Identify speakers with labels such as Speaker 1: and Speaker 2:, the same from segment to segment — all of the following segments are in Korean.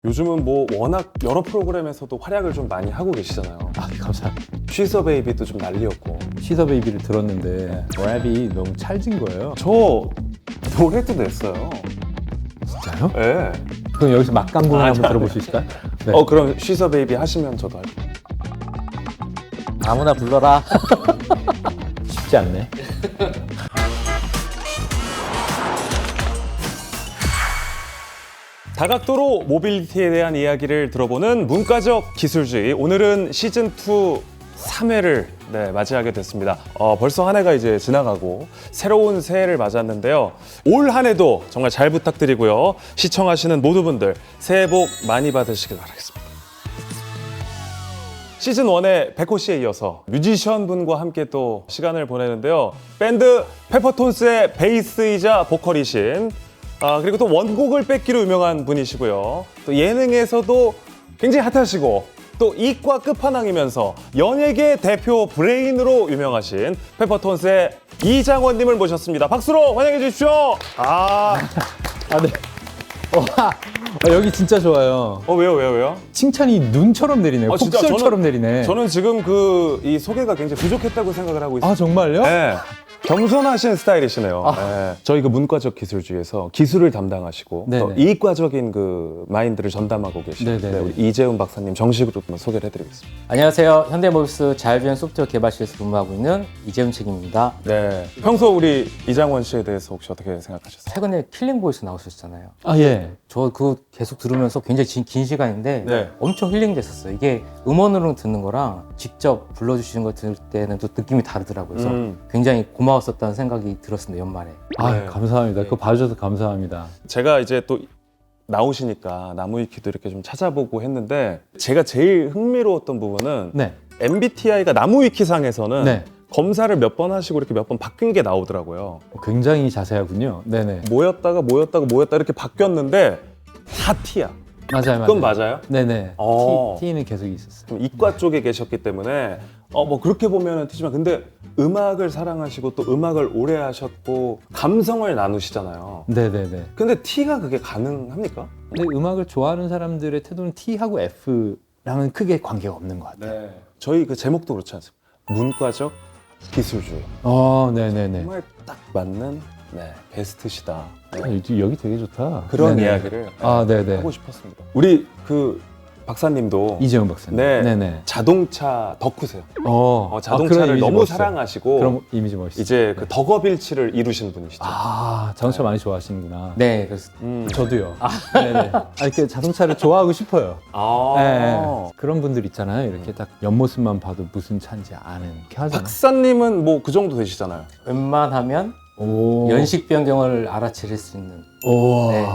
Speaker 1: 요즘은 뭐 워낙 여러 프로그램에서도 활약을 좀 많이 하고 계시잖아요.
Speaker 2: 아, 감사합니다.
Speaker 1: 쉬서 베이비도 좀 난리였고.
Speaker 2: 시서 베이비를 들었는데 랩이 너무 찰진 거예요.
Speaker 1: 저 노래도 냈어요.
Speaker 2: 진짜요?
Speaker 1: 예.
Speaker 2: 그럼 여기서 막강공을 한번 들어볼 수 있을까요? 네.
Speaker 1: 그럼 쉬서 베이비 하시면 저도 할게요.
Speaker 3: 아무나 불러라.
Speaker 2: 쉽지 않네.
Speaker 1: 다각도로 모빌리티에 대한 이야기를 들어보는 문과적 기술주의. 오늘은 시즌2 3회를 맞이하게 됐습니다. 벌써 한 해가 이제 지나가고 새로운 새해를 맞았는데요. 올 한 해도 정말 잘 부탁드리고요. 시청하시는 모든 분들 새해 복 많이 받으시길 바라겠습니다. 시즌1의 백호 씨에 이어서 뮤지션 분과 함께 또 시간을 보내는데요. 밴드 페퍼톤스의 베이스이자 보컬이신 그리고 또 원곡을 뺏기로 유명한 분이시고요. 또 예능에서도 굉장히 핫하시고 또 이과 끝판왕이면서 연예계 대표 브레인으로 유명하신 페퍼톤스의 이장원님을 모셨습니다. 박수로 환영해 주십시오.
Speaker 2: 네. 여기 진짜 좋아요.
Speaker 1: 왜요?
Speaker 2: 칭찬이 눈처럼 내리네요.
Speaker 1: 진짜
Speaker 2: 폭설처럼 내리네.
Speaker 1: 저는 지금 이 소개가 굉장히 부족했다고 생각을 하고 있어요.
Speaker 2: 아, 정말요?
Speaker 1: 네. 겸손하신 스타일이시네요. 네. 저희 그 문과적 기술주의에서 기술을 담당하시고
Speaker 2: 네네.
Speaker 1: 또 이과적인 그 마인드를 전담하고 계신
Speaker 2: 네네.
Speaker 1: 우리 이재훈 박사님 정식으로 한번 소개를 해드리겠습니다.
Speaker 3: 안녕하세요. 현대모비스 자율주행 소프트웨어 개발실에서 근무하고 있는 이재훈 책임입니다.
Speaker 1: 네. 평소 우리 이장원 씨에 대해서 혹시 어떻게 생각하셨어요?
Speaker 3: 최근에 킬링보이스 나오셨잖아요.
Speaker 2: 아, 예.
Speaker 3: 저 그거 계속 들으면서 굉장히 긴 시간인데
Speaker 1: 네.
Speaker 3: 엄청 힐링됐었어요. 이게 음원으로 듣는 거랑 직접 불러주시는 거 들을 때는 또 느낌이 다르더라고요. 그래서 굉장히 고마웠었다는 생각이 들었습니다. 연말에.
Speaker 2: 아,
Speaker 1: 네.
Speaker 2: 감사합니다. 그거 봐주셔서 감사합니다.
Speaker 1: 제가 이제 또 나오시니까 나무위키도 이렇게 좀 찾아보고 했는데 제가 제일 흥미로웠던 부분은
Speaker 2: 네.
Speaker 1: MBTI가 나무위키상에서는
Speaker 2: 네.
Speaker 1: 검사를 몇 번 하시고 이렇게 몇 번 바뀐 게 나오더라고요.
Speaker 2: 굉장히 자세하군요. 네네.
Speaker 1: 모였다가 이렇게 바뀌었는데 다 T야.
Speaker 2: 맞아요.
Speaker 1: 그건 맞아요?
Speaker 2: 네네.
Speaker 1: 어.
Speaker 2: T는 계속 있었어요.
Speaker 1: 좀 이과 쪽에 계셨기 때문에 뭐 그렇게 보면은 T지만 근데 음악을 사랑하시고 또 음악을 오래 하셨고 감성을 나누시잖아요.
Speaker 2: 네네네.
Speaker 1: 근데 T가 그게 가능합니까?
Speaker 2: 근데 음악을 좋아하는 사람들의 태도는 T하고 F랑은 크게 관계가 없는 것 같아요.
Speaker 1: 네. 저희 그 제목도 그렇지 않습니까? 문과적 기술주의.
Speaker 2: 네네네.
Speaker 1: 정말 딱 맞는 베스트시다.
Speaker 2: 여기 되게 좋다.
Speaker 1: 그런
Speaker 2: 네네.
Speaker 1: 이야기를
Speaker 2: 네네.
Speaker 1: 하고 싶었습니다. 우리 그 박사님도
Speaker 2: 이재훈 박사님.
Speaker 1: 네네. 자동차 덕후세요. 자동차를
Speaker 2: 그런 이미지
Speaker 1: 너무
Speaker 2: 멋있어요.
Speaker 1: 사랑하시고
Speaker 2: 그런 이미지 멋있어요.
Speaker 1: 이제 그 덕업일치를 이루신 분이시죠.
Speaker 2: 자동차 많이 좋아하시는구나.
Speaker 3: 네, 그래서
Speaker 2: 저도요. 네네. 이렇게 자동차를 좋아하고 싶어요. 네. 그런 분들 있잖아요. 이렇게 딱 옆모습만 봐도 무슨 차인지 아는 이렇게 하잖아요.
Speaker 1: 박사님은 뭐 그 정도 되시잖아요.
Speaker 3: 웬만하면
Speaker 2: 오.
Speaker 3: 연식 변경을 알아차릴 수 있는.
Speaker 2: 오.
Speaker 3: 네.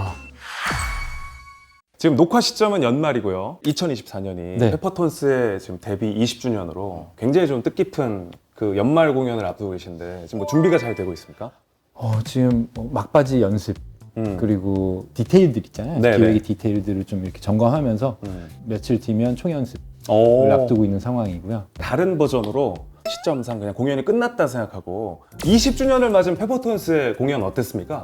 Speaker 1: 지금 녹화 시점은 연말이고요. 2024년이
Speaker 2: 네.
Speaker 1: 페퍼톤스의 지금 데뷔 20주년으로 굉장히 좀 뜻깊은 그 연말 공연을 앞두고 계신데 지금 뭐 준비가 잘 되고 있습니까?
Speaker 2: 지금 막바지 연습 그리고 디테일들 있잖아요.
Speaker 1: 네네.
Speaker 2: 기획의 디테일들을 좀 이렇게 점검하면서 며칠 뒤면 총연습을
Speaker 1: 오.
Speaker 2: 앞두고 있는 상황이고요.
Speaker 1: 다른 버전으로 시점상 그냥 공연이 끝났다 생각하고 20주년을 맞은 페퍼톤스의 공연 어땠습니까?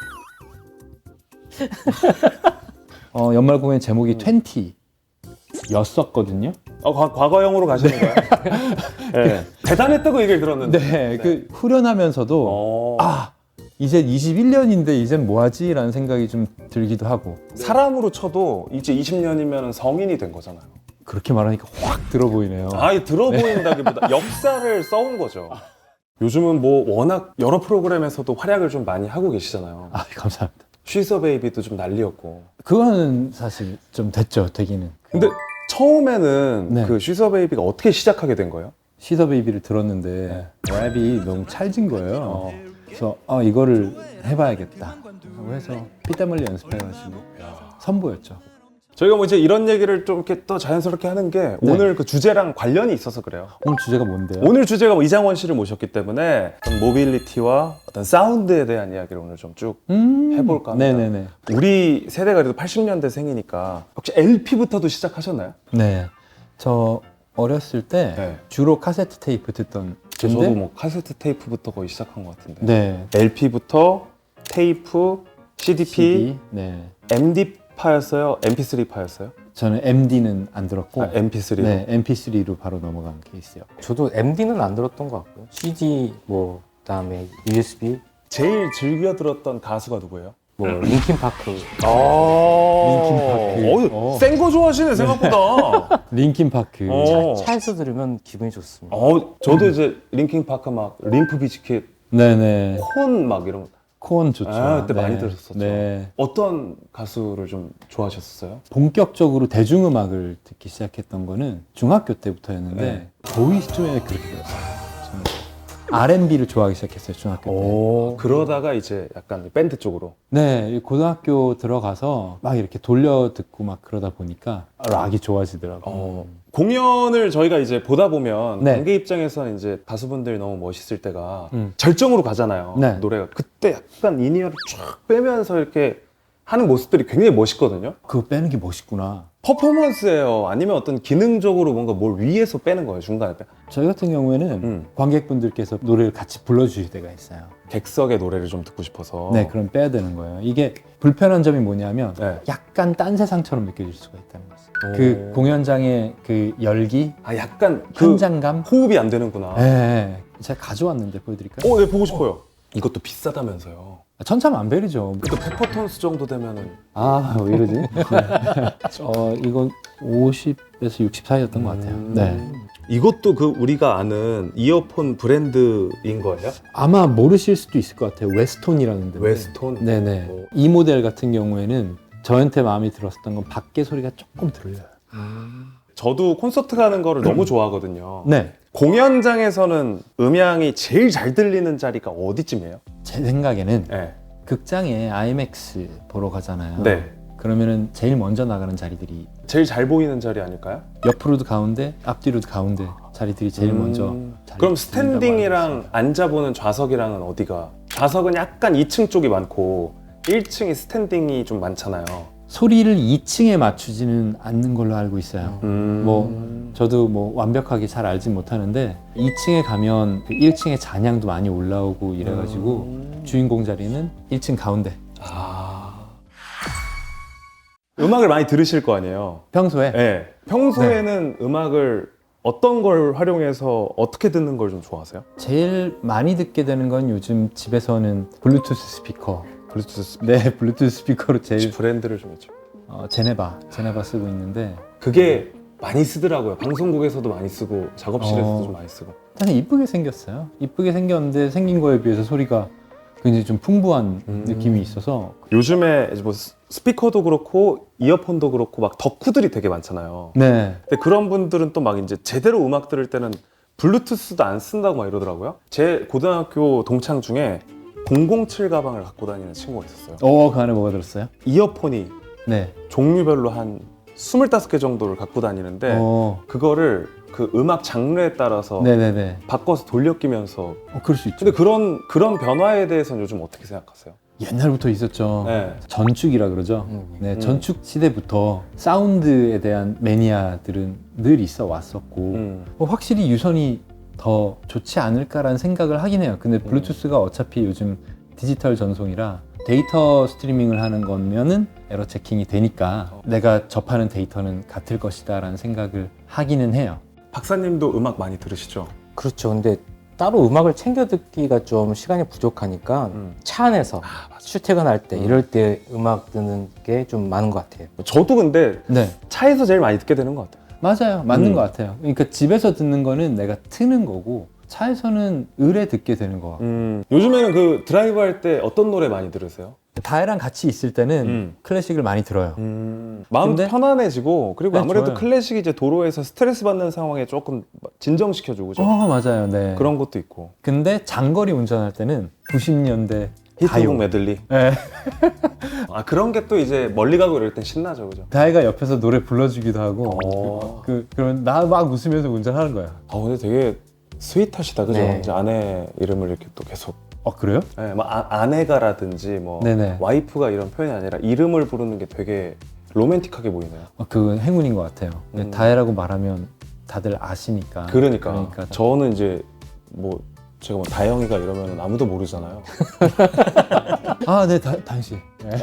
Speaker 2: 연말 공연 제목이 20였었거든요.
Speaker 1: 과거형으로 가시는 거예요? 네. 대단했다고 얘기를 들었는데.
Speaker 2: 네, 그 후련하면서도 이제 21년인데 이젠 뭐하지? 라는 생각이 좀 들기도 하고.
Speaker 1: 사람으로 쳐도 이제 20년이면 성인이 된 거잖아요.
Speaker 2: 그렇게 말하니까 확 들어 보이네요.
Speaker 1: 들어 보인다기보다 역사를 써온 거죠. 요즘은 뭐 워낙 여러 프로그램에서도 활약을 좀 많이 하고 계시잖아요.
Speaker 2: 감사합니다.
Speaker 1: 쉬서 베이비도 좀 난리였고.
Speaker 2: 그거는 사실 좀 됐죠, 되기는.
Speaker 1: 근데 처음에는
Speaker 2: 네.
Speaker 1: 그 쉬서 베이비가 어떻게 시작하게 된 거예요?
Speaker 2: 시더 베이비를 들었는데 랩이 너무 찰진 거예요. 그래서 이거를 해봐야겠다 하고 해서 피땀 흘리 연습해가지고 선보였죠.
Speaker 1: 저희가 뭐 이제 이런 얘기를 좀 이렇게 또 자연스럽게 하는 게 오늘 그 주제랑 관련이 있어서 그래요.
Speaker 2: 오늘 주제가 뭔데요?
Speaker 1: 오늘 주제가 뭐 이장원 씨를 모셨기 때문에 어떤 모빌리티와 어떤 사운드에 대한 이야기를 오늘 좀 쭉 해볼까 합니다.
Speaker 2: 네네네.
Speaker 1: 우리 세대가 그래도 80년대 생이니까 혹시 LP부터도 시작하셨나요?
Speaker 2: 네. 저 어렸을 때
Speaker 1: 네.
Speaker 2: 주로 카세트 테이프 듣던
Speaker 1: 저도
Speaker 2: 근데
Speaker 1: 뭐 카세트 테이프부터 거의 시작한 것 같은데
Speaker 2: 네.
Speaker 1: LP부터 테이프, CDP,
Speaker 2: CD, 네.
Speaker 1: MD 파였어요? MP3 파였어요?
Speaker 2: 저는 MD는 안 들었고
Speaker 1: MP3로?
Speaker 2: 네, MP3로 바로 넘어간 케이스요.
Speaker 3: 저도 MD는 안 들었던 것 같고요. CD 뭐 그다음에 USB
Speaker 1: 제일 즐겨 들었던 가수가 누구예요?
Speaker 3: 뭐 링킨 파크
Speaker 2: 링킨
Speaker 1: 센거 좋아하시네 생각보다.
Speaker 2: 링킨 파크.
Speaker 3: 차에서 들으면 기분이 좋습니다.
Speaker 1: 저도 이제 링킹 파크 막 림프 비즈킷,
Speaker 2: 네네.
Speaker 1: 콘 막 이런 거.
Speaker 2: 콘 좋죠.
Speaker 1: 그때 많이 들었었죠.
Speaker 2: 네.
Speaker 1: 어떤 가수를 좀 좋아하셨어요?
Speaker 2: 본격적으로 대중음악을 듣기 시작했던 거는 중학교 때부터였는데
Speaker 1: 네.
Speaker 2: 거의 시점에 그렇게 들었어요. 저는 R&B를 좋아하기 시작했어요, 중학교 때.
Speaker 1: 그러다가 이제 약간 밴드 쪽으로.
Speaker 2: 네, 고등학교 들어가서 막 이렇게 돌려 듣고 막 그러다 보니까 락이 좋아지더라고요.
Speaker 1: 공연을 저희가 이제 보다 보면
Speaker 2: 네.
Speaker 1: 관객 입장에서는 이제 가수분들이 너무 멋있을 때가
Speaker 2: 음.
Speaker 1: 절정으로 가잖아요.
Speaker 2: 네.
Speaker 1: 노래가 그때 약간 인이어를 쫙 빼면서 이렇게 하는 모습들이 굉장히 멋있거든요.
Speaker 2: 그거 빼는 게 멋있구나.
Speaker 1: 퍼포먼스예요? 아니면 어떤 기능적으로 뭔가 뭘 위에서 빼는 거예요? 중간에 빼?
Speaker 2: 저희 같은 경우에는 관객분들께서 노래를 같이 불러주실 때가 있어요.
Speaker 1: 객석의 노래를 좀 듣고 싶어서.
Speaker 2: 네, 그럼 빼야 되는 거예요. 이게 불편한 점이 뭐냐면
Speaker 1: 네.
Speaker 2: 약간 딴 세상처럼 느껴질 수가 있다는 거죠. 그 공연장의 그 열기,
Speaker 1: 약간 그
Speaker 2: 현장감.
Speaker 1: 호흡이 안 되는구나.
Speaker 2: 네, 제가 가져왔는데 보여드릴까요?
Speaker 1: 네, 보고 싶어요. 이것도 비싸다면서요.
Speaker 2: 천차만별이죠.
Speaker 1: 또 페퍼톤스 정도 되면은
Speaker 2: 아, 왜 이러지? 이건 50에서 60 사이였던 것 같아요. 네.
Speaker 1: 이것도 그 우리가 아는 이어폰 브랜드인 거예요?
Speaker 2: 아마 모르실 수도 있을 것 같아요. 웨스톤이라는 데.
Speaker 1: 웨스톤?
Speaker 2: 네네.
Speaker 1: 오.
Speaker 2: 이 모델 같은 경우에는 저한테 마음에 들었었던 건 밖에 소리가 조금 들려요.
Speaker 1: 저도 콘서트 가는 거를 너무 좋아하거든요.
Speaker 2: 네.
Speaker 1: 공연장에서는 음향이 제일 잘 들리는 자리가 어디쯤이에요?
Speaker 2: 제 생각에는
Speaker 1: 네.
Speaker 2: 극장에 IMAX 보러 가잖아요.
Speaker 1: 네.
Speaker 2: 그러면은 제일 먼저 나가는 자리들이
Speaker 1: 제일 잘 보이는 자리 아닐까요?
Speaker 2: 옆으로도 가운데, 앞뒤로도 가운데 자리들이 제일 먼저. 자리
Speaker 1: 그럼
Speaker 2: 들린다고
Speaker 1: 스탠딩이랑
Speaker 2: 알고
Speaker 1: 앉아보는 좌석이랑은 어디가? 좌석은 약간 2층 쪽이 많고 1층이 스탠딩이 좀 많잖아요.
Speaker 2: 소리를 2층에 맞추지는 않는 걸로 알고 있어요.
Speaker 1: 음.
Speaker 2: 뭐 저도 뭐 완벽하게 잘 알진 못하는데 2층에 가면 그 1층에 잔향도 많이 올라오고 이래가지고 주인공 자리는 1층 가운데.
Speaker 1: 음악을 많이 들으실 거 아니에요?
Speaker 2: 평소에
Speaker 1: 네. 평소에는 음악을 어떤 걸 활용해서 어떻게 듣는 걸 좀 좋아하세요?
Speaker 2: 제일 많이 듣게 되는 건 요즘 집에서는 블루투스 스피커.
Speaker 1: 블루투스
Speaker 2: 네, 블루투스 스피커로
Speaker 1: 혹시
Speaker 2: 제일
Speaker 1: 브랜드를 좀 해줘.
Speaker 2: 제네바 쓰고 있는데
Speaker 1: 그게 많이 쓰더라고요. 방송국에서도 많이 쓰고 작업실에서도 좀 많이 쓰고.
Speaker 2: 일단 이쁘게 생겼어요. 이쁘게 생겼는데 생긴 거에 비해서 소리가 굉장히 좀 풍부한 느낌이 있어서.
Speaker 1: 요즘에 이제 뭐 스피커도 그렇고 이어폰도 그렇고 막 덕후들이 되게 많잖아요.
Speaker 2: 네.
Speaker 1: 근데 그런 분들은 또 막 이제 제대로 음악 들을 때는 블루투스도 안 쓴다고 막 이러더라고요. 제 고등학교 동창 중에 007 가방을 갖고 다니는 친구가 있었어요.
Speaker 2: 그 안에 뭐가 들었어요?
Speaker 1: 이어폰이
Speaker 2: 네.
Speaker 1: 종류별로 한 25개 정도를 갖고 다니는데 그거를 그 음악 장르에 따라서
Speaker 2: 네네네.
Speaker 1: 바꿔서 돌려 끼면서.
Speaker 2: 그럴 수 있죠.
Speaker 1: 근데 그런 변화에 대해서는 요즘 어떻게 생각하세요?
Speaker 2: 옛날부터 있었죠.
Speaker 1: 네.
Speaker 2: 전축이라 그러죠. 네, 전축 시대부터 사운드에 대한 매니아들은 늘 있어 왔었고 확실히 유선이 더 좋지 않을까라는 생각을 하긴 해요. 근데 블루투스가 어차피 요즘 디지털 전송이라 데이터 스트리밍을 하는 거면은 에러 체킹이 되니까 내가 접하는 데이터는 같을 것이다 라는 생각을 하기는 해요.
Speaker 1: 박사님도 음악 많이 들으시죠?
Speaker 3: 그렇죠. 근데 따로 음악을 챙겨 듣기가 좀 시간이 부족하니까 차 안에서 출퇴근할 때 이럴 때 음악 듣는 게 좀 많은 것 같아요.
Speaker 1: 저도 근데
Speaker 2: 네,
Speaker 1: 차에서 제일 많이 듣게 되는 것 같아요.
Speaker 2: 맞아요. 맞는 것 같아요. 그러니까 집에서 듣는 거는 내가 트는 거고 차에서는 의뢰 듣게 되는 거 같고.
Speaker 1: 요즘에는 그 드라이브 할 때 어떤 노래 많이 들으세요?
Speaker 2: 다혜랑 같이 있을 때는 클래식을 많이 들어요.
Speaker 1: 마음
Speaker 2: 근데-
Speaker 1: 편안해지고 그리고
Speaker 2: 네,
Speaker 1: 아무래도
Speaker 2: 좋아요.
Speaker 1: 클래식이 이제 도로에서 스트레스 받는 상황에 조금 진정시켜주고 그죠?
Speaker 2: 맞아요. 네.
Speaker 1: 그런 것도 있고.
Speaker 2: 근데 장거리 운전할 때는 90년대
Speaker 1: 히트곡
Speaker 2: 가요.
Speaker 1: 메들리.
Speaker 2: 네.
Speaker 1: 그런 게 또 이제 멀리 가고 이럴 땐 신나죠, 그죠?
Speaker 2: 다혜가 옆에서 노래 불러주기도 하고 그러면 나 막 웃으면서 운전하는 거야.
Speaker 1: 근데 되게 스윗하시다, 그죠?
Speaker 3: 네.
Speaker 1: 이제 아내 이름을 이렇게 또 계속.
Speaker 2: 그래요?
Speaker 1: 네, 막 아내가라든지 뭐
Speaker 2: 네네.
Speaker 1: 와이프가 이런 표현이 아니라 이름을 부르는 게 되게 로맨틱하게 보이네요.
Speaker 2: 그건 행운인 것 같아요. 다혜라고 말하면 다들 아시니까.
Speaker 1: 그러니까 저는 이제 뭐 제가 뭐 다영이가 이러면 아무도 모르잖아요.
Speaker 2: 아, 네, 당신.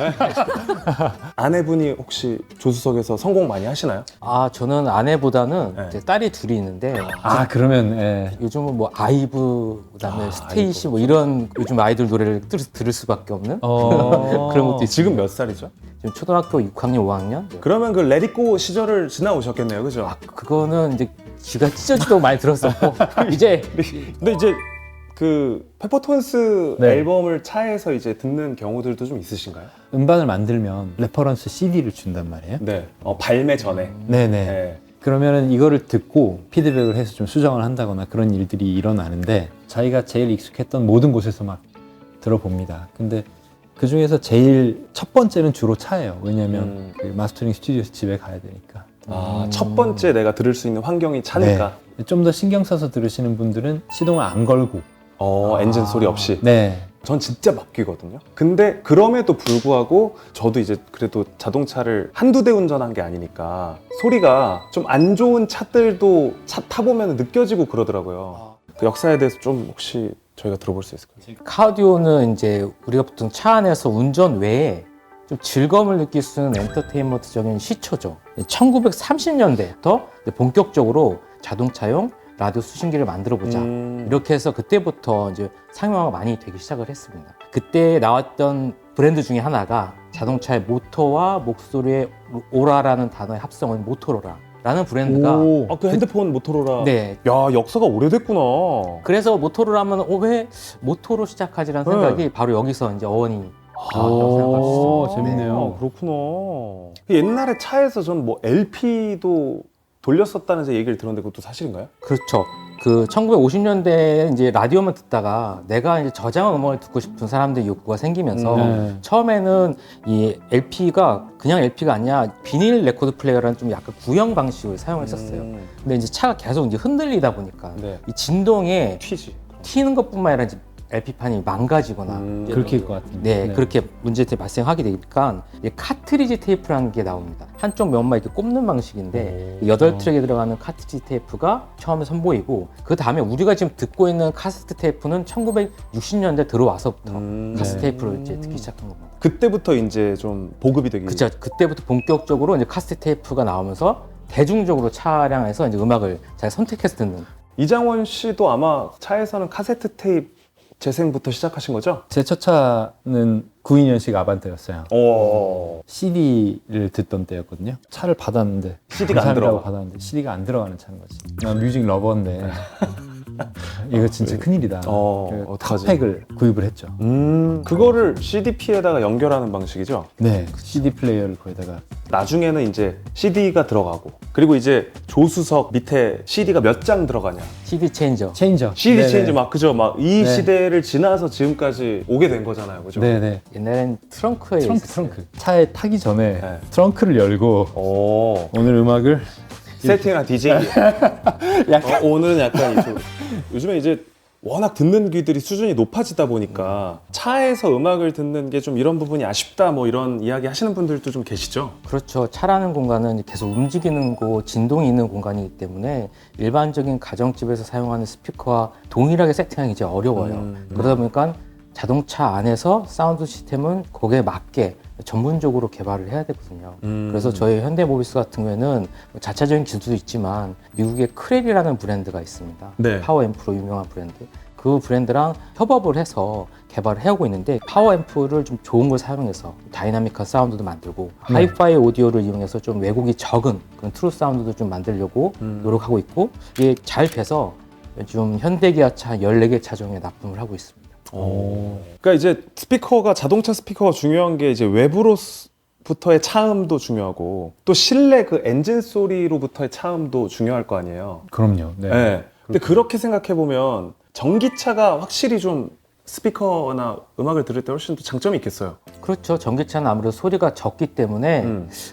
Speaker 1: 아내분이 혹시 조수석에서 성공 많이 하시나요?
Speaker 3: 아, 저는 아내보다는
Speaker 1: 네.
Speaker 3: 이제 딸이 둘이 있는데
Speaker 2: 아, 그러면 예.
Speaker 3: 요즘은 뭐 아이브 그다음에 스테이시
Speaker 1: 아이브.
Speaker 3: 뭐 이런 요즘 아이돌 노래를 들을 수밖에 없는 그런 것도 있어요.
Speaker 1: 지금 몇 살이죠?
Speaker 3: 지금 초등학교 6학년, 5학년.
Speaker 1: 그러면 그 레디고 시절을 지나오셨겠네요, 그죠?
Speaker 3: 아, 그거는 이제 귀가 찢어지도록 많이 들었었고 이제
Speaker 1: 근데 이제 그 페퍼톤스
Speaker 2: 네.
Speaker 1: 앨범을 차에서 이제 듣는 경우들도 좀 있으신가요?
Speaker 2: 음반을 만들면 레퍼런스 CD를 준단 말이에요.
Speaker 1: 네. 발매 전에.
Speaker 2: 네네.
Speaker 1: 네.
Speaker 2: 그러면은 이거를 듣고 피드백을 해서 좀 수정을 한다거나 그런 일들이 일어나는데 자기가 제일 익숙했던 모든 곳에서 막 들어봅니다. 근데 그 중에서 제일 첫 번째는 주로 차예요. 왜냐면 그 마스터링 스튜디오에서 집에 가야 되니까.
Speaker 1: 첫 번째 내가 들을 수 있는 환경이 차니까.
Speaker 2: 네. 좀 더 신경 써서 들으시는 분들은 시동을 안 걸고.
Speaker 1: 엔진 소리 없이.
Speaker 2: 네.
Speaker 1: 전 진짜 막히거든요. 근데 그럼에도 불구하고 저도 이제 그래도 자동차를 한두 대 운전한 게 아니니까 소리가 좀 안 좋은 차들도 차 타보면 느껴지고 그러더라고요. 그 역사에 대해서 좀 혹시 저희가 들어볼 수 있을까요?
Speaker 3: 카디오는 이제 우리가 보통 차 안에서 운전 외에 좀 즐거움을 느낄 수 있는 엔터테인먼트적인 시초죠. 1930년대부터 본격적으로 자동차용 라디오 수신기를 만들어 보자. 이렇게 해서 그때부터 이제 상용화가 많이 되기 시작을 했습니다. 그때 나왔던 브랜드 중에 하나가 자동차의 모터와 목소리의 오라라는 단어의 합성은 모토로라라는 브랜드가
Speaker 1: 그 핸드폰 모토로라.
Speaker 3: 네.
Speaker 1: 야, 역사가 오래됐구나.
Speaker 3: 그래서 모토로라 하면 왜 모토로 시작하지라는
Speaker 1: 네.
Speaker 3: 생각이 바로 여기서 이제 어원이
Speaker 2: 오,
Speaker 3: 생각할 수 있어요.
Speaker 2: 재밌네요.
Speaker 1: 그렇구나. 옛날에 차에서 전 뭐 LP도 돌렸었다는 제 얘기를 들었는데 그것도 사실인가요?
Speaker 3: 그렇죠. 그 1950년대에 이제 라디오만 듣다가 내가 이제 저장한 음악을 듣고 싶은 사람들의 욕구가 생기면서
Speaker 2: 네.
Speaker 3: 처음에는 이 LP가 그냥 LP가 아니라 비닐 레코드 플레이어라는 좀 약간 구형 방식을 사용했었어요. 근데 이제 차가 계속 이제 흔들리다 보니까
Speaker 1: 네.
Speaker 3: 이 진동에
Speaker 1: 튀지.
Speaker 3: 튀는 것뿐만 아니라 이제 LP판이 망가지거나
Speaker 2: 그렇게일 것 같은데.
Speaker 3: 네, 그렇게 문제들이 발생하게 되니까 이제 카트리지 테이프라는 게 나옵니다. 한쪽 면만 이렇게 꼽는 방식인데 8트랙에 들어가는 카트리지 테이프가 처음에 선보이고 그 다음에 우리가 지금 듣고 있는 카세트 테이프는 1960년대 들어와서부터 카세트 테이프를 이제 듣기 시작한 겁니다.
Speaker 1: 그때부터 이제 좀 보급이 되기.
Speaker 3: 그렇죠. 그때부터 본격적으로 이제 카세트 테이프가 나오면서 대중적으로 차량에서 이제 음악을 잘 선택해서 듣는.
Speaker 1: 이장원 씨도 아마 차에서는 카세트 테이프 재생부터 시작하신 거죠?
Speaker 2: 제 첫 차는 92년식 아반떼였어요. CD를 듣던 때였거든요. 차를 받았는데
Speaker 1: CD가 안
Speaker 2: 감사합니다고
Speaker 1: 들어가.
Speaker 2: 받았는데 CD가 안 들어가는 차인 거지. 난 뮤직 러버인데 이거 진짜 큰일이다. 그래서
Speaker 1: 어떡하지?
Speaker 2: 탑팩을 구입을 했죠.
Speaker 1: 그거를 CDP에다가 연결하는 방식이죠?
Speaker 2: 네, CD 플레이어를 거기다가
Speaker 1: 나중에는 이제 CD가 들어가고 그리고 이제 조수석 밑에 CD가 몇 장 들어가냐.
Speaker 3: CD 체인저.
Speaker 2: 체인저.
Speaker 1: CD
Speaker 2: 네네.
Speaker 1: 체인지 막 그죠? 막 이
Speaker 2: 네.
Speaker 1: 시대를 지나서 지금까지 오게 된 거잖아요. 그죠?
Speaker 2: 네네.
Speaker 3: 옛날엔 트렁크에 있었어요.
Speaker 2: 트렁크. 차에 타기 전에
Speaker 1: 네.
Speaker 2: 트렁크를 열고 오늘 음악을
Speaker 1: 세팅한 DJ. 오늘은 약간 요즘에 이제 워낙 듣는 귀들이 수준이 높아지다 보니까 차에서 음악을 듣는 게 좀 이런 부분이 아쉽다 뭐 이런 이야기 하시는 분들도 좀 계시죠?
Speaker 3: 그렇죠. 차라는 공간은 계속 움직이는 곳, 진동이 있는 공간이기 때문에 일반적인 가정집에서 사용하는 스피커와 동일하게 세팅하기 이제 어려워요. 그러다 보니까 자동차 안에서 사운드 시스템은 거기에 맞게 전문적으로 개발을 해야 되거든요. 그래서 저희 현대모비스 같은 경우에는 자차적인 기술도 있지만 미국의 크렐이라는 브랜드가 있습니다.
Speaker 1: 네.
Speaker 3: 파워 앰프로 유명한 브랜드. 그 브랜드랑 협업을 해서 개발을 해오고 있는데 파워 앰프를 좀 좋은 걸 사용해서 다이나믹한 사운드도 만들고 하이파이 오디오를 이용해서 좀 왜곡이 적은 그런 트루 사운드도 좀 만들려고 노력하고 있고 이게 잘 돼서 요즘 현대기아차 14개 차종에 납품을 하고 있습니다.
Speaker 1: 그러니까 이제 스피커가 자동차 스피커가 중요한 게 이제 외부로부터의 차음도 중요하고 또 실내 그 엔진 소리로부터의 차음도 중요할 거 아니에요.
Speaker 2: 그럼요. 네.
Speaker 1: 네. 근데 그렇게 생각해 보면 전기차가 확실히 좀 스피커나 음악을 들을 때 훨씬 더 장점이 있겠어요.
Speaker 3: 그렇죠. 전기차는 아무래도 소리가 적기 때문에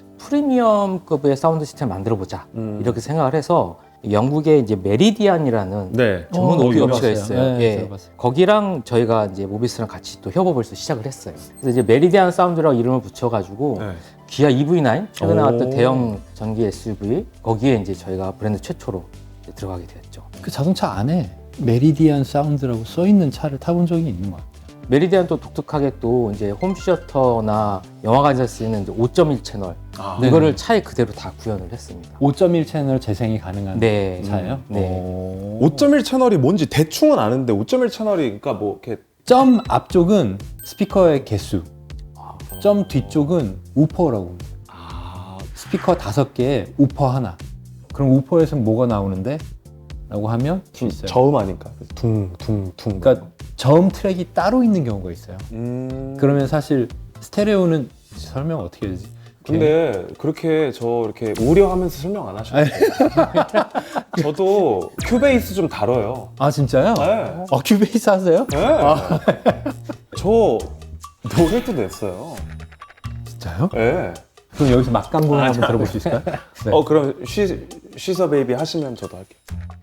Speaker 3: 프리미엄급의 사운드 시스템 만들어보자 이렇게 생각을 해서 영국의 이제 메리디안이라는
Speaker 1: 네.
Speaker 3: 전문 오디오 업체가
Speaker 2: 들어봤어요.
Speaker 3: 있어요.
Speaker 2: 네,
Speaker 3: 예.
Speaker 2: 들어봤어요.
Speaker 3: 거기랑 저희가 이제 모비스랑 같이 또 협업을 해서 시작을 했어요. 그래서 이제 메리디안 사운드라고 이름을 붙여가지고
Speaker 1: 네.
Speaker 3: 기아 EV9 최근에
Speaker 1: 오.
Speaker 3: 나왔던 대형 전기 SUV 거기에 이제 저희가 브랜드 최초로 이제 들어가게 되었죠.
Speaker 2: 그 자동차 안에 메리디안 사운드라고 써 있는 차를 타본 적이 있는 것 같아요.
Speaker 3: 메리디안도 독특하게 또 이제 홈시어터나 영화관에서 쓰이는 5.1 채널
Speaker 2: 네.
Speaker 3: 이거를 차에 그대로 다 구현을 했습니다.
Speaker 2: 5.1 채널 재생이 가능한
Speaker 3: 네.
Speaker 2: 차예요?
Speaker 3: 네.
Speaker 1: 5.1 채널이 뭔지 대충은 아는데 5.1 채널이 그러니까 뭐 이렇게
Speaker 2: 점 앞쪽은 스피커의 개수, 점 뒤쪽은 우퍼라고. 스피커 5개에 우퍼 하나. 그럼 우퍼에서 뭐가 나오는데? 라고 하면 있어요.
Speaker 1: 저음 아닌가? 둥둥둥.
Speaker 2: 그러니까 저음 트랙이 따로 있는 경우가 있어요. 그러면 사실 스테레오는 설명 어떻게 해야 되지?
Speaker 1: 근데 그렇게 저 이렇게 우려하면서 설명 안 하셔도 돼요. 저도 큐베이스 좀 다뤄요.
Speaker 2: 아 진짜요?
Speaker 1: 네.
Speaker 2: 큐베이스 하세요?
Speaker 1: 네. 저 노래도 냈어요.
Speaker 2: 진짜요?
Speaker 1: 네.
Speaker 2: 그럼 여기서 막강공을 한번 들어볼 수 있을까요? 네.
Speaker 1: 그럼 쉬서 베이비 하시면 저도 할게요.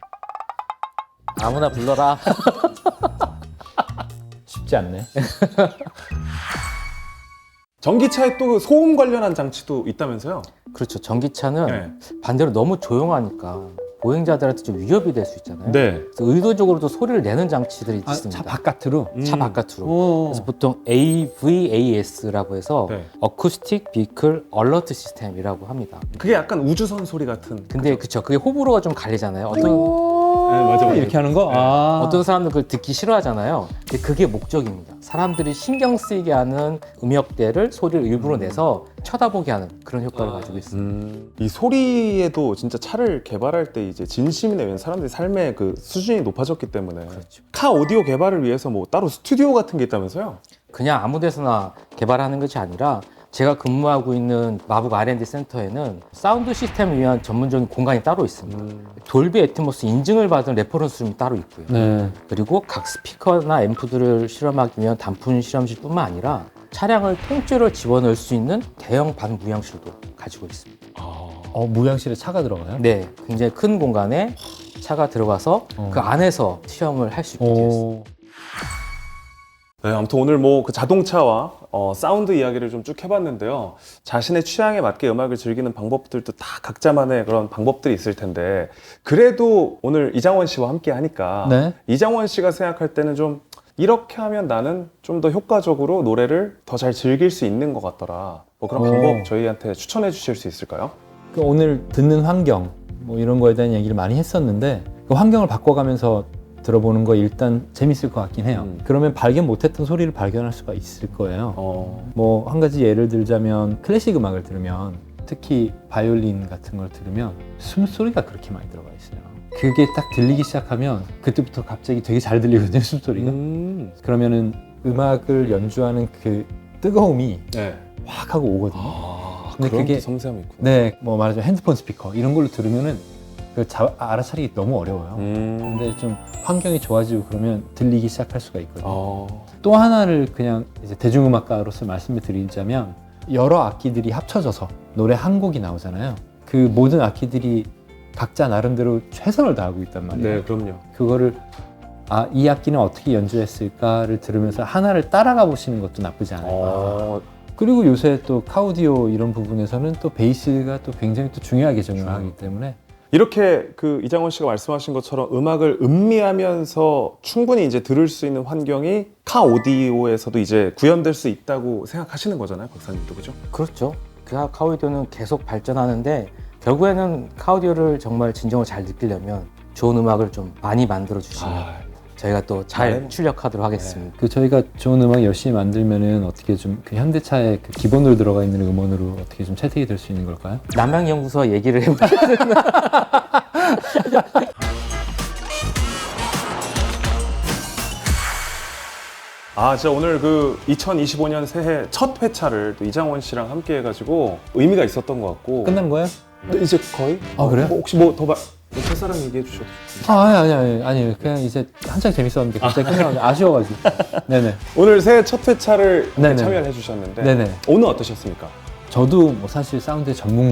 Speaker 3: 아무나 불러라.
Speaker 2: 쉽지 않네.
Speaker 1: 전기차에 또 소음 관련한 장치도 있다면서요?
Speaker 3: 그렇죠. 전기차는
Speaker 1: 네.
Speaker 3: 반대로 너무 조용하니까 보행자들한테 좀 위협이 될 수 있잖아요.
Speaker 1: 네.
Speaker 3: 그래서 의도적으로도 소리를 내는 장치들이
Speaker 2: 아,
Speaker 3: 있습니다.
Speaker 2: 차 바깥으로?
Speaker 3: 차 바깥으로.
Speaker 2: 오.
Speaker 3: 그래서 보통 AVAS라고 해서
Speaker 1: 네.
Speaker 3: 어쿠스틱 비클 얼러트 시스템이라고 합니다.
Speaker 1: 그게 약간 우주선 소리 같은.
Speaker 3: 근데 그쵸. 그게 호불호가 좀 갈리잖아요.
Speaker 1: 네, 맞아.
Speaker 2: 이렇게 하는 거?
Speaker 1: 네.
Speaker 2: 아.
Speaker 3: 어떤 사람들은 그걸 듣기 싫어하잖아요. 근데 그게 목적입니다. 사람들이 신경 쓰이게 하는 음역대를 소리를 일부러 내서 쳐다보게 하는 그런 효과를 가지고 있습니다.
Speaker 1: 이 소리에도 진짜 차를 개발할 때 이제 진심이 내면 사람들이 삶의 그 수준이 높아졌기 때문에
Speaker 3: 그렇죠.
Speaker 1: 카 오디오 개발을 위해서 뭐 따로 스튜디오 같은 게 있다면서요?
Speaker 3: 그냥 아무 데서나 개발하는 것이 아니라 제가 근무하고 있는 마북 R&D 센터에는 사운드 시스템을 위한 전문적인 공간이 따로 있습니다. 돌비 애트모스 인증을 받은 레퍼런스룸이 따로 있고요.
Speaker 2: 네.
Speaker 3: 그리고 각 스피커나 앰프들을 실험하기 위한 단품 실험실뿐만 아니라 차량을 통째로 집어넣을 수 있는 대형 반무향실도 가지고 있습니다.
Speaker 2: 무향실에 차가 들어가요?
Speaker 3: 네, 굉장히 큰 공간에 차가 들어가서 그 안에서 시험을 할 수 있게 되어 있습니다.
Speaker 1: 네, 아무튼 오늘 뭐 그 자동차와 사운드 이야기를 좀 쭉 해봤는데요. 자신의 취향에 맞게 음악을 즐기는 방법들도 다 각자만의 그런 방법들이 있을 텐데 그래도 오늘 이장원 씨와 함께 하니까
Speaker 2: 네.
Speaker 1: 이장원 씨가 생각할 때는 좀 이렇게 하면 나는 좀 더 효과적으로 노래를 더 잘 즐길 수 있는 것 같더라. 뭐 그런 방법 저희한테 추천해 주실 수 있을까요?
Speaker 2: 그 오늘 듣는 환경 뭐 이런 거에 대한 얘기를 많이 했었는데 그 환경을 바꿔가면서 들어보는 거 일단 재밌을 것 같긴 해요. 그러면 발견 못했던 소리를 발견할 수가 있을 거예요. 뭐 한 가지 예를 들자면 클래식 음악을 들으면 특히 바이올린 같은 걸 들으면 숨소리가 그렇게 많이 들어가 있어요. 그게 딱 들리기 시작하면 그때부터 갑자기 되게 잘 들리거든요, 숨소리가. 그러면은 음악을 연주하는 그 뜨거움이
Speaker 1: 네.
Speaker 2: 확 하고 오거든요. 근데
Speaker 1: 그런
Speaker 2: 그게
Speaker 1: 또 섬세함이 있구나.
Speaker 2: 네, 뭐 말하자면 핸드폰 스피커 이런 걸로 들으면은 그 알아차리기 너무 어려워요.
Speaker 1: 음.
Speaker 2: 근데 좀 환경이 좋아지고 그러면 들리기 시작할 수가 있거든요.
Speaker 1: 어.
Speaker 2: 또 하나를 그냥 이제 대중음악가로서 말씀을 드리자면 여러 악기들이 합쳐져서 노래 한 곡이 나오잖아요. 그 모든 악기들이 각자 나름대로 최선을 다하고 있단 말이에요.
Speaker 1: 네, 그럼요.
Speaker 2: 그거를 이 악기는 어떻게 연주했을까를 들으면서 하나를 따라가 보시는 것도 나쁘지 않아요. 그리고 요새 또 카오디오 이런 부분에서는 또 베이스가 또 굉장히 또 중요하게 적용을 하기 때문에
Speaker 1: 이렇게 그 이장원 씨가 말씀하신 것처럼 음악을 음미하면서 충분히 이제 들을 수 있는 환경이 카 오디오에서도 이제 구현될 수 있다고 생각하시는 거잖아요, 박사님도, 그죠?
Speaker 3: 그렇죠. 그 카오디오는 계속 발전하는데 결국에는 카오디오를 정말 진정으로 잘 느끼려면 좋은 음악을 좀 많이 만들어 주시면 저희가 또 잘 출력하도록 하겠습니다.
Speaker 2: 그 저희가 좋은 음악 열심히 만들면은 어떻게 좀 그 현대차의 그 기본으로 들어가 있는 음원으로 어떻게 좀 채택이 될 수 있는 걸까요?
Speaker 3: 남양연구소와 얘기를 해보면
Speaker 1: 진짜 오늘 그 2025년 새해 첫 회차를 또 이장원 씨랑 함께 해가지고 의미가 있었던 것 같고.
Speaker 2: 끝난 거예요?
Speaker 1: 네, 이제 거의?
Speaker 2: 그래요?
Speaker 1: 뭐 혹시 뭐 더 첫사랑 얘기해 주셔도 좋습니다.
Speaker 2: 아니 그냥 이제 한창 재밌었는데 갑자기 끝나가지고 아쉬워가지고. 네네.
Speaker 1: 오늘 새해 첫 회차를
Speaker 2: 네네.
Speaker 1: 참여를 해주셨는데
Speaker 2: 네네.
Speaker 1: 오늘 어떠셨습니까?
Speaker 2: 저도 뭐 사실 사운드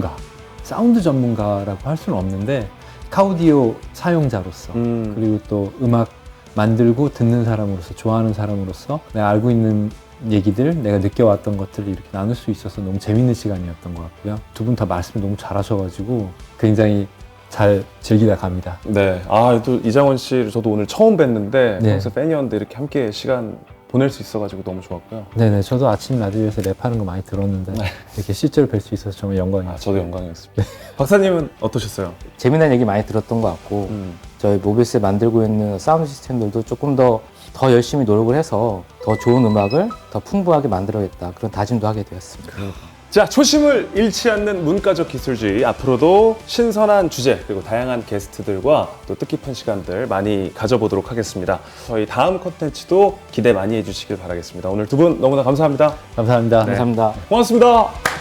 Speaker 2: 전문가라고 할 수는 없는데 카오디오 사용자로서 그리고 또 음악 만들고 듣는 사람으로서 좋아하는 사람으로서 내가 알고 있는 얘기들, 내가 느껴왔던 것들을 이렇게 나눌 수 있어서 너무 재밌는 시간이었던 것 같고요. 두 분 다 말씀을 너무 잘하셔가지고 굉장히 잘 즐기다 갑니다.
Speaker 1: 네. 아, 또 이장원 씨를 저도 오늘 처음 뵀는데
Speaker 2: 네.
Speaker 1: 평소 팬이었는데 이렇게 함께 시간 보낼 수 있어가지고 너무 좋았고요.
Speaker 2: 네네, 저도 아침 라디오에서 랩하는 거 많이 들었는데 이렇게 실제로 뵐 수 있어서 정말
Speaker 1: 아,
Speaker 2: 영광이에요.
Speaker 1: 저도 영광이었습니다. 박사님은 어떠셨어요?
Speaker 3: 재미난 얘기 많이 들었던 것 같고 저희 모비스에 만들고 있는 사운드 시스템들도 조금 더 열심히 노력을 해서 더 좋은 음악을 더 풍부하게 만들어야겠다 그런 다짐도 하게 되었습니다.
Speaker 1: 자, 초심을 잃지 않는 문과적 기술주의, 앞으로도 신선한 주제 그리고 다양한 게스트들과 또 뜻깊은 시간들 많이 가져보도록 하겠습니다. 저희 다음 콘텐츠도 기대 많이 해주시길 바라겠습니다. 오늘 두 분 너무나 감사합니다.
Speaker 2: 감사합니다.
Speaker 3: 감사합니다.
Speaker 1: 고맙습니다.